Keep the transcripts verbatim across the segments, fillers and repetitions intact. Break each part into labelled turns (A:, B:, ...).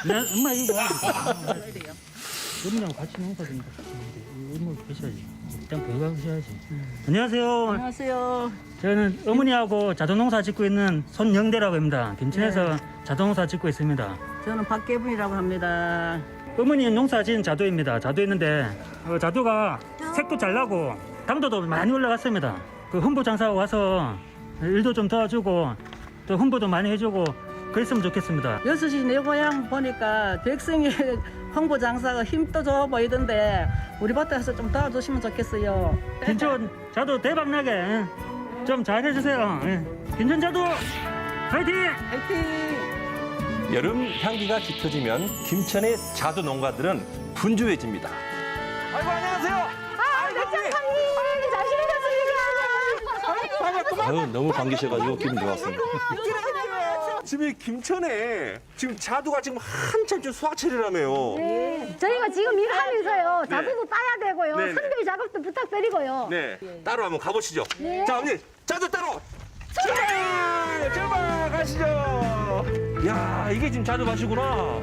A: 네, 엄마 이거 어머니하고 같이 농사 좀 어머니 계셔야지. 일단 건강하셔야지. 안녕하세요.
B: 안녕하세요.
A: 저는 어머니하고 자동농사 짓고 있는 손영대라고 합니다. 김천에서
B: 네.
A: 자동농사 짓고 있습니다.
B: 저는 박계분이라고 합니다.
A: 어머니는 농사 지은 자두입니다. 자두였는데 어, 자두가 색도 잘 나고 당도도 많이 올라갔습니다. 그 홍보 장사하고 와서 일도 좀 도와주고 또 홍보도 많이 해주고 그랬으면 좋겠습니다.
B: 여섯 시 내 고향 보니까 백성이 홍보 장사가 힘도 좋아 보이던데 우리 밭에서 좀 도와주시면 좋겠어요.
A: 김천 자두 대박나게 좀 잘해주세요. 예. 김천 자두 파이팅!
B: 화이팅!
C: 여름 향기가 짙어지면 김천의 자두 농가들은 분주해집니다. 아이고 안녕하세요.
D: 아, 백장사님 잘 지내셨습니까?
C: 아유 너무 반기셔가지고 기분 좋았습니다.
E: 지금 이 김천에 지금 자두가 지금 한참 지금 수확철이라며요.
D: 네. 저희가 지금 일하면서요. 자두도 따야 되고요.
E: 네, 네.
D: 선별 작업도 부탁드리고요.
E: 네, 따로 한번 가보시죠.
D: 네.
E: 자, 언니 자두 따로 출발! 출발 가시죠. 야, 이게 지금 자두 밭이구나.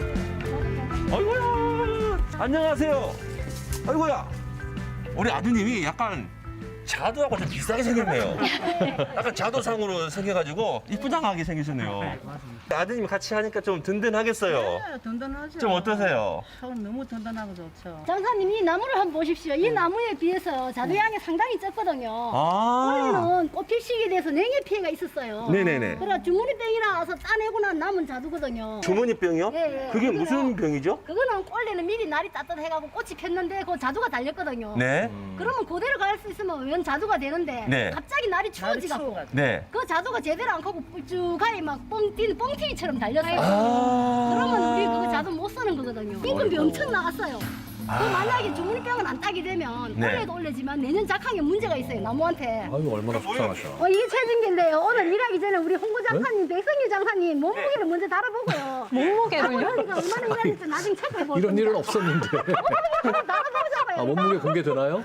E: 아이고야, 안녕하세요. 아이고야, 우리 아드님이 약간 자두하고 좀 비슷하게 생겼네요. 약간 자두상으로 생겨가지고 이쁘장하게 생기셨네요. 아드님이 같이 하니까 좀 든든하겠어요.
B: 네, 든든하죠.
E: 좀 어떠세요?
B: 참 너무 든든하고 좋죠.
D: 장사님 이 나무를 한번 보십시오. 이 나무에 비해서 자두양이 상당히 적거든요.
E: 아,
D: 원래는 꽃필 시기에 대해서 냉해 피해가 있었어요.
E: 네네네.
D: 그래 주머니병이 나와서 따내고 난 남은 자두거든요.
E: 주머니병이요?
D: 예, 예.
E: 그게
D: 그거요.
E: 무슨 병이죠?
D: 그거는 원래는 미리 날이 따뜻해가고 꽃이 폈는데 그 자두가 달렸거든요.
E: 네,
D: 그러면 그대로 갈 수 있으면 웬 자두가 되는데
E: 네.
D: 갑자기 날이 추워지갖고
B: 추워가지고.
E: 네.
D: 그 자두가 제대로 안 커고 뿔쭉하게 막 뻥튀는 뻥튀기처럼 달렸어요.
E: 아,
D: 그러면 우리 그거 자두 못 쓰는 거거든요. 임금비 엄청 나갔어요. 그 만약에 주머니병은 안 따게 되면
E: 네.
D: 올해도 올해지만 내년 작황에 문제가 있어요 나무한테.
F: 아유 얼마나 속상하셔.
D: 어, 이게 최진기인데요. 오늘 일하기 전에 우리 홍보 장사님, 백성유 장사님 몸무게를 먼저 달아보고요. 몸무게를요? 얼마나 일하는지 나중에 체크해보세요.
F: 이런 일은 없었는데.
D: 달아보자고요.
F: 아, 몸무게 공개되나요?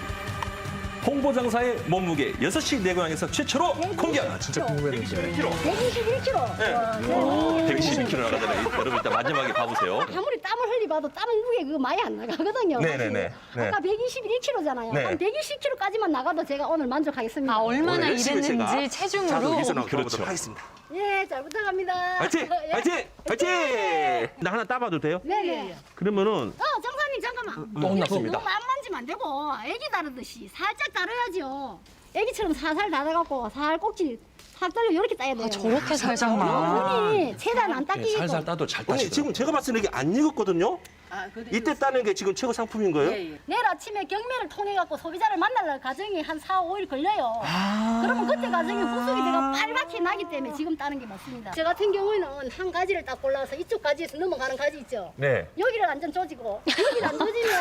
C: 홍보장사의 몸무게 여섯 시 내고향에서 최초로 공개.
F: 아, 진짜 궁금했는데.
D: 백이십일 킬로그램.
E: 네.
D: 와, 네.
C: 백이십일 킬로그램 나가잖아요. 여러분 일단 마지막에 봐보세요.
D: 아무리 땀을 흘리봐도 땀 무게 그거 많이 안 나가거든요.
E: 네네네.
D: 사실.
E: 네.
D: 아까 백이십일 킬로그램잖아요.
E: 네.
D: 한 백이십 킬로그램까지만 나가도 제가 오늘 만족하겠습니다.
G: 아, 얼마나
E: 열심히 제가
G: 일했는지
E: 자두
G: 체중으로.
E: 위해서 나가보도록
C: 그렇죠.
E: 하겠습니다.
D: 예, 잘 부탁합니다.
E: 파이팅!
D: 예.
E: 파이팅! 파이팅! 나 하나 따봐도 돼요?
D: 네네.
E: 그러면은
D: 어, 장사님 잠깐만.
E: 또 혼났습니다.
D: 너무 안 만지면 안 되고 애기 다루듯이 살짝 다뤄야죠. 애기처럼 살살 다뤄갖고 살 꼭지 살 떨려 이렇게 따야 돼요.
G: 아, 저렇게 살짝만.
D: 눈이 최대한 안 닦이게끔.
F: 살살 따도 잘
E: 언니
F: 따시더라고요.
E: 지금 제가 봤을 때 이게 안 익었거든요?
B: 아, 그래.
E: 이때 따는 게 지금 최고 상품인 거예요?
B: 예, 예.
D: 내일 아침에 경매를 통해 갖고 소비자를 만날 과정이 한 사, 오 일 걸려요.
E: 아.
D: 그러면 그때 과정에 후숙이 내가 빨갛게 나기 때문에 지금 따는 게 맞습니다. 저 같은 경우에는 한 가지를 딱 골라서 이쪽 가지에서 넘어가는 가지 있죠.
E: 네.
D: 여기를 완전 조지고 여기를 안 조지면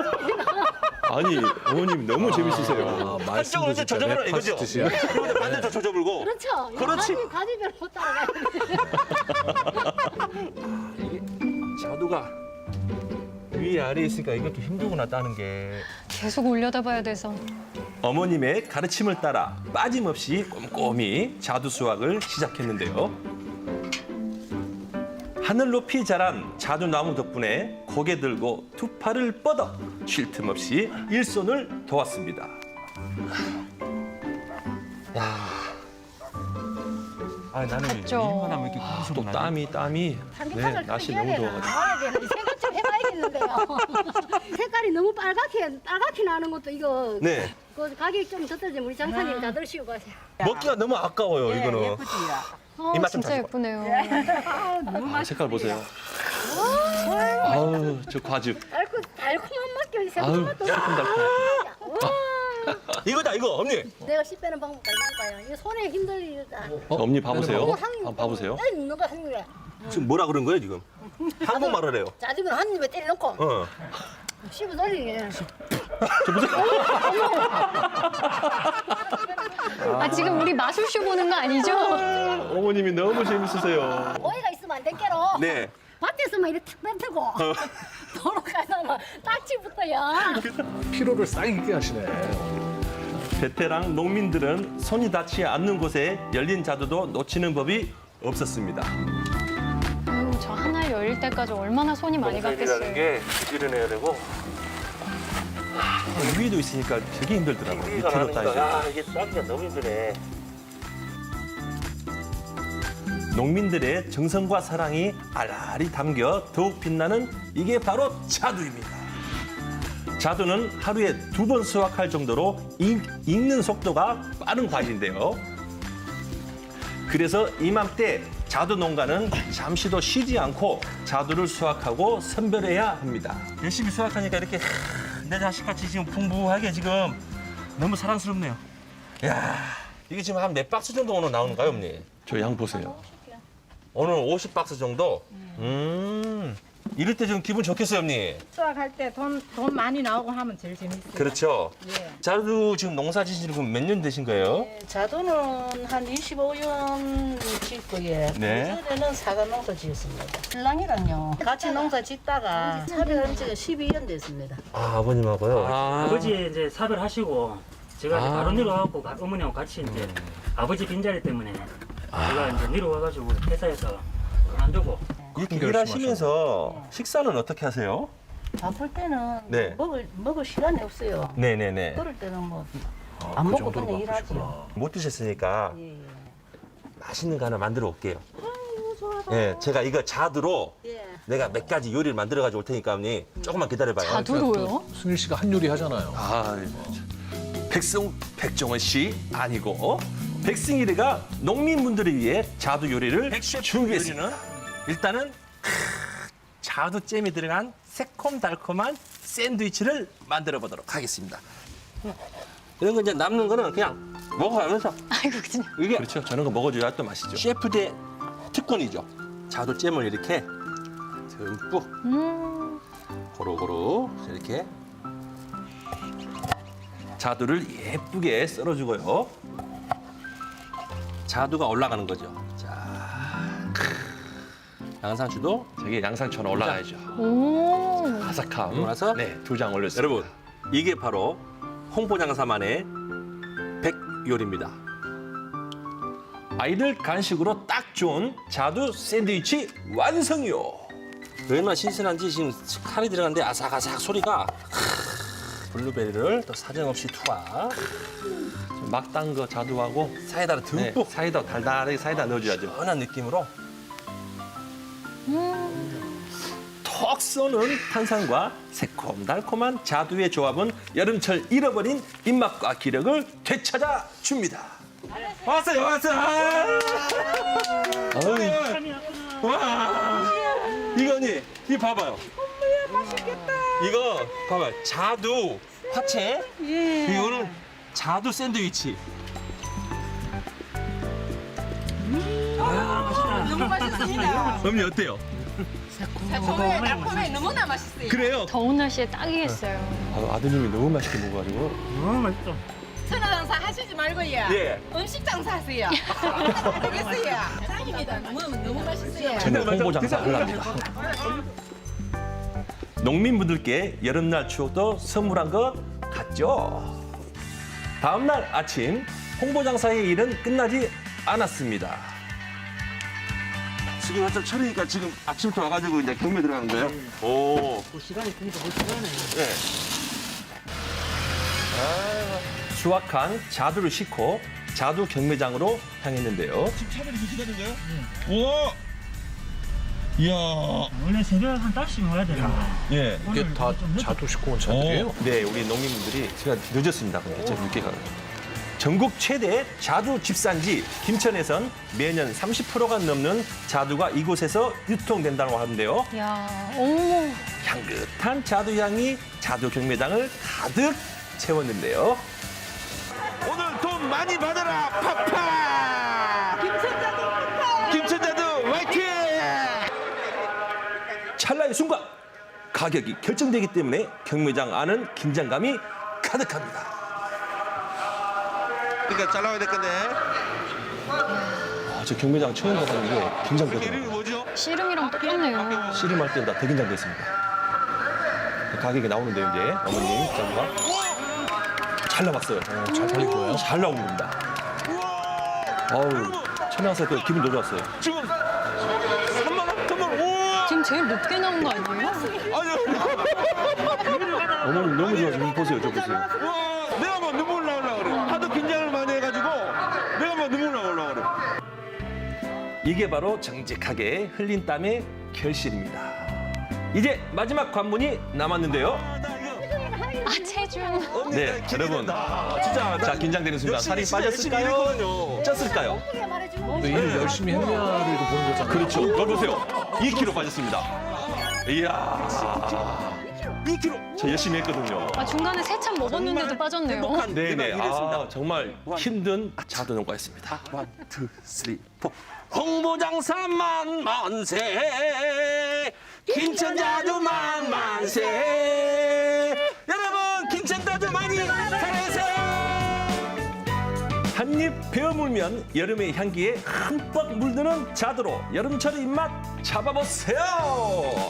C: 아니 어머님 너무 재밌으세요.
F: 아, 말씀도
E: 한쪽으로 이제
F: 진짜
E: 젖어버려
F: 랩하시
E: 이거죠?
F: 듯이요.
E: 그리고 반대쪽 젖어불고.
D: 그렇죠. 이
E: 그렇지.
D: 가지, 가지별로 못 따라가야 돼.
E: 자두가 위에 아래에 있으니까 이것도 힘들구나 따는 게.
G: 계속 올려다봐야 돼서.
C: 어머님의 가르침을 따라 빠짐없이 꼼꼼히 자두 수확을 시작했는데요. 하늘 높이 자란 자두나무 덕분에 고개 들고 두 팔을 뻗어 쉴 틈 없이 일손을 도왔습니다.
E: 아 나는
G: 덥죠.
E: 일만 하면 이렇게
C: 또
E: 고소가 나지?
C: 땀이 땀이
D: 삼계탕을
C: 네, 날씨
D: 끓여야
C: 너무
D: 되나?
C: 더워가지고.
D: 나와야 되나? 이 생각 좀 해봐야겠는데요. 색깔이 너무 빨갛게 빨갛게 나는 것도 이거
E: 네.
D: 그 가격 좀 더 떨어지면 우리 장사님 다 드시고 가세요.
E: 먹기가 너무 아까워요
B: 예,
E: 이거는.
B: 예쁘지요.
G: 어,
E: 입맛 좀
G: 진짜
E: 자시고.
G: 예쁘네요.
C: 아, 색깔 보세요. 아우 저 과즙.
D: 달콤 달콤한 맛이
C: 아우
D: 새콤맛도.
C: 달콤달콤.
E: 이거다 이거 언니.
D: 내가 씨 빼는 방법 알려줄까요? 이거 손에 힘들다.
C: 어, 엄니 봐보세요.
D: 이거 한 입.
C: 한번 봐보세요.
D: 에 있는 거한 입에.
E: 지금 뭐라 그런 거예요 지금? 한국말을 해요.
D: 자주면 한 입에 때려놓고
E: 어.
D: 씹어 돌리게.
G: 아, 지금 우리 마술쇼 보는 거 아니죠?
C: 어머님이 너무 재밌으세요.
D: 오해가 있으면 안 될게로.
E: 네.
D: 밭에서만 이렇게 탁 뱉고 도로 가다가 딱지부터요.
F: 피로를 싹 잊게 하시네.
C: 베테랑 농민들은 손이 닿지 않는 곳에 열린 자두도 놓치는 법이 없었습니다.
G: 아유, 저 하나 열릴 때까지 얼마나 손이 많이 갔겠어요.
E: 게 부지런해야 되고
C: 아, 위에도 있으니까 되게 힘들더라고요. 밑으로 따야죠.
E: 야, 이게 싸기가 너무 힘드네.
C: 농민들의 정성과 사랑이 알알이 담겨 더욱 빛나는 이게 바로 자두입니다. 자두는 하루에 두 번 수확할 정도로 익, 익는 속도가 빠른 과일인데요. 그래서 이맘때 자두 농가는 잠시도 쉬지 않고 자두를 수확하고 선별해야 합니다.
E: 열심히 수확하니까 이렇게 내 자식같이 지금 풍부하게 지금 너무 사랑스럽네요. 야, 이게 지금 한 몇 박스 정도 오늘 나오는가요, 어머니?
C: 저 양 보세요.
E: 오늘 오십 박스 정도? 음. 이럴 때 좀 기분 좋겠어요, 언니.
H: 수확할 때 돈 돈 많이 나오고 하면 제일 재밌어요.
E: 그렇죠.
H: 예.
E: 자두 지금 농사 지신 지 몇 년 되신 거예요?
B: 자두는 한 이십오 년 짓고요.
E: 네.
B: 그전에는 사과 농사 지었습니다. 신랑이랑요 같이 농사 짓다가 사별한 지가 십이 년 됐습니다.
E: 아, 아버님하고요?
A: 아버지 이제 사별하시고 제가 이제
E: 아.
A: 바로 내려와갖고 가- 어머니하고 같이 이제 아버지 빈자리 때문에 제가 이제 내려와가지고 회사에서 그만두고
E: 이렇게
F: 결심하셨네.
E: 일하시면서 식사는 어떻게 하세요?
B: 바쁠 때는
E: 네.
B: 먹을 먹을 시간이 없어요.
E: 네네네.
B: 그럴 때는 뭐 안 먹고 그냥 일하죠.
E: 못 드셨으니까
B: 예, 예.
E: 맛있는 거 하나 만들어 올게요. 예, 제가 이거 자두로
B: 예.
E: 내가 몇 가지 요리를 만들어 가지고 올 테니까 언니 조금만 기다려봐요.
G: 자두로요?
F: 승일 씨가 한 요리 하잖아요.
C: 아, 백승 백종원 씨 아니고 백승일이가 농민분들을 위해 자두 요리를 준비했습니다. 일단은 크, 자두 잼이 들어간 새콤달콤한 샌드위치를 만들어 보도록 하겠습니다.
E: 이런 거 이제 남는 거는 그냥 먹어가면서
G: 아이고 그냥.
E: 이게
C: 그렇죠. 저런 거 먹어줘야 또 맛있죠.
E: 셰프의 특권이죠. 자두 잼을 이렇게 듬뿍
G: 음.
E: 고루고루 이렇게
C: 자두를 예쁘게 썰어주고요.
E: 자두가 올라가는 거죠. 자, 양상추도
C: 저게 양상처럼 올라가야죠.
G: 오.
C: 바삭함.
E: 그러고 나서
C: 네, 두 장 올렸습니다.
E: 여러분 이게 바로 홍보장사만의 백요리입니다.
C: 아이들 간식으로 딱 좋은 자두 샌드위치 완성이요.
E: 얼마나 신선한지 지금 칼이 들어갔는데 아삭아삭 소리가 블루베리를 또 사정없이 투하
C: 막 딴 거 자두하고
E: 사이다를
C: 네,
E: 듬뿍
C: 사이다 달달하게 사이다 넣어줘야죠.
E: 시원한 느낌으로
C: 턱 쏘는 탄산과 새콤달콤한 자두의 조합은 여름철 잃어버린 입맛과 기력을 되찾아 줍니다.
E: 왔어요 왔어요. 어이, 와 이거 언니 이거 봐봐요. 이거 봐봐요 자두 화채 이거는 자두 샌드위치.
H: 너무 맛있습니다.
E: 언니 어때요?
H: 새콤해, 달콤해, 너무나 맛있어요.
E: 그래요?
G: 더운 날씨에 딱이겠어요.
C: 아, 아드님이 너무 맛있게 먹어가지고
A: 너무 맛있어.
H: 천하장사 하시지 말고요.
E: 예.
H: 음식 장사하세요. 되겠어요. 짱입니다. 너무 너무 맛있어요.
C: 저는 홍보 장사 하려합니다. 농민분들께 여름날 추억도 선물한 것 같죠? 다음날 아침 홍보 장사의 일은 끝나지 않았습니다.
E: 지금 한참 철이니까 지금 아침부터 와가지고 이제 경매 들어가는 거예요? 오.
A: 뭐 시간이 그니까 뭐 시간에.
E: 예.
C: 수확한 자두를 싣고 자두 경매장으로 향했는데요.
E: 차들이 기다리는 거예요? 우와. 이야.
A: 원래 새벽 한 다섯 시면 와야 되는데.
E: 예.
F: 이게 다 자두 싣고 온 차들이에요?
C: 네, 우리 농민분들이 제가 늦었습니다. 근데 제가 늦게 가요. 전국 최대 자두 집산지 김천에선 매년 삼십 퍼센트가 넘는 자두가 이곳에서 유통된다고 하는데요.
G: 야, 어머.
C: 향긋한 자두 향이 자두 경매장을 가득 채웠는데요.
E: 오늘 돈 많이 받아라 파파. 김천자두 파파. 김천자두 화이팅.
C: 찰나의 순간 가격이 결정되기 때문에 경매장 안은 긴장감이 가득합니다.
E: 그러니까 잘 나와야 될 건데.
C: 아, 저 경매장 처음 가봤는데
E: 이름이
C: 긴장되더라고요.
E: 뭐죠?
G: 씨름이랑 똑같네요.
C: 씨름할 때는 다 더 긴장됐습니다. 가격이 나오는데요, 이제 어머님 자두가 잘 나왔어요.
F: 어, 잘 팔린 거예요?
C: 잘 나온 겁니다. 어우, 천양사 그 기분 너무 좋았어요.
E: 지금 삼만 원, 삼만 원. 우와.
G: 지금 제일 높게 나온 거 아니에요?
E: 어머님 너무 좋아서 보세요, 저 보세요. 와, 내가 막 눈물 나오려고 그래. 하도 긴장을 많이 해가지고 내가 막 눈물 나오려고 그래.
C: 이게 바로 정직하게 흘린 땀의 결실입니다. 이제 마지막 관문이 남았는데요.
G: 아, 체중.
C: 네, 여러분.
E: 진짜
C: 자, 긴장되는 순간
E: 역시
C: 살이
E: 진짜
C: 빠졌을까요?
E: 열심히 일했거든요.
C: 쪘을까요?
F: 또 일 열심히 했냐를 이거 보는 거잖아요.
C: 그렇죠. 여기 보세요. 이 킬로그램 빠졌습니다. 이야.
E: 이 킬로그램.
C: 저 열심히 했거든요.
G: 아, 중간에 세참 먹었는데도 빠졌네요.
E: 행복한
C: 네네.
E: 일을 일했습니다.
C: 아, 정말 힘든 자두 농가였습니다.
E: 원, 투, 쓰리, 포. 홍보장사만 만세, 김천자두만 만세. 여러분, 김천자두 많이 사랑해주세요.
C: 한입 베어물면 여름의 향기에 흠뻑 물드는 자두로 여름철 입맛 잡아보세요.